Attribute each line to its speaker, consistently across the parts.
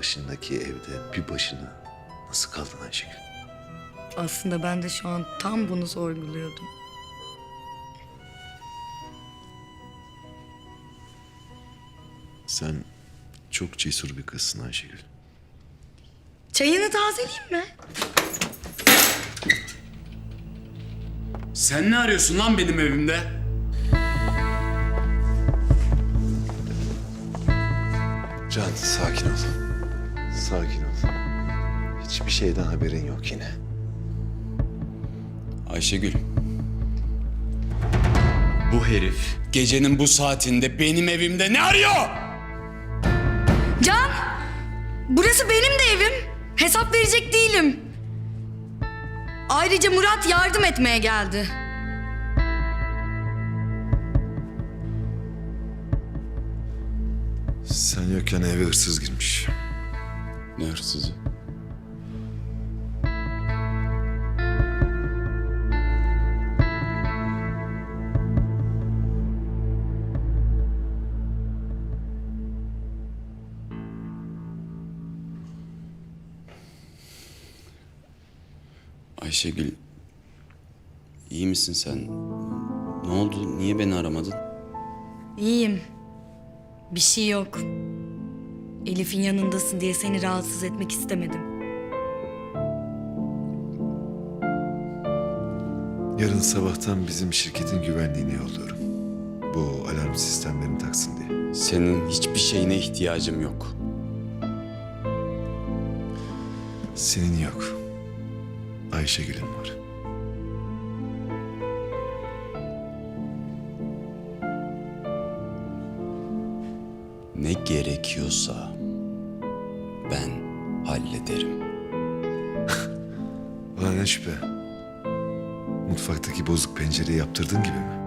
Speaker 1: başındaki evde bir başına nasıl kaldın Ayşegül?
Speaker 2: Aslında ben de şu an tam bunu sorguluyordum.
Speaker 1: Sen çok cesur bir kızsın Ayşegül.
Speaker 2: Çayını tazeleyeyim mi?
Speaker 3: Sen ne arıyorsun lan benim evimde?
Speaker 1: Can, sakin ol. Sakin ol. Hiçbir şeyden haberin yok yine.
Speaker 3: Ayşegül. Bu herif gecenin bu saatinde benim evimde ne arıyor?
Speaker 2: Can! Burası benim de evim. Hesap verecek değilim. Ayrıca Murat yardım etmeye geldi.
Speaker 1: Sen yokken eve hırsız girmiş.
Speaker 3: Ne hırsızı? Ayşegül, iyi misin sen? Ne oldu? Niye beni aramadın?
Speaker 2: İyiyim. Bir şey yok. Elif'in yanındasın diye seni rahatsız etmek istemedim.
Speaker 1: Yarın sabahtan bizim şirketin güvenliğini yolluyorum. Bu alarm sistemlerini taksın diye.
Speaker 3: Senin hiçbir şeyine ihtiyacım yok.
Speaker 1: Senin yok. Ayşegül'ün var.
Speaker 3: Ne gerekiyorsa ben hallederim.
Speaker 1: Ulan ne şüphe. Mutfaktaki bozuk pencereyi yaptırdığın gibi mi?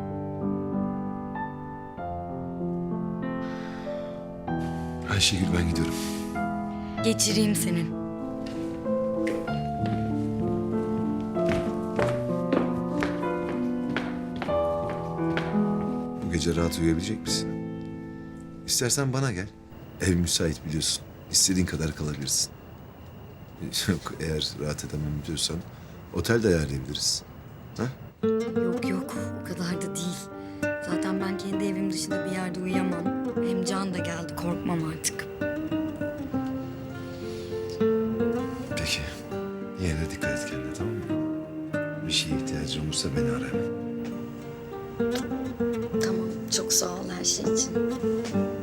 Speaker 1: Ayşegül, ben gidiyorum.
Speaker 2: Geçireyim senin.
Speaker 1: Bu gece rahat uyuyabilecek misin? İstersen bana gel. Ev müsait biliyorsun. İstediğin kadar kalabilirsin. Yok, eğer rahat edemem diyorsan otel de ayarlayabiliriz. Ha?
Speaker 2: Yok yok, o kadar da değil. Zaten ben kendi evim dışında bir yerde uyuyamam. Hem Can da geldi, korkmam artık.
Speaker 1: Peki. Yine de dikkat et kendine, tamam mı? Bir şeye ihtiyacın olursa beni ara hemen.
Speaker 2: Tamam, çok sağ ol her şey için.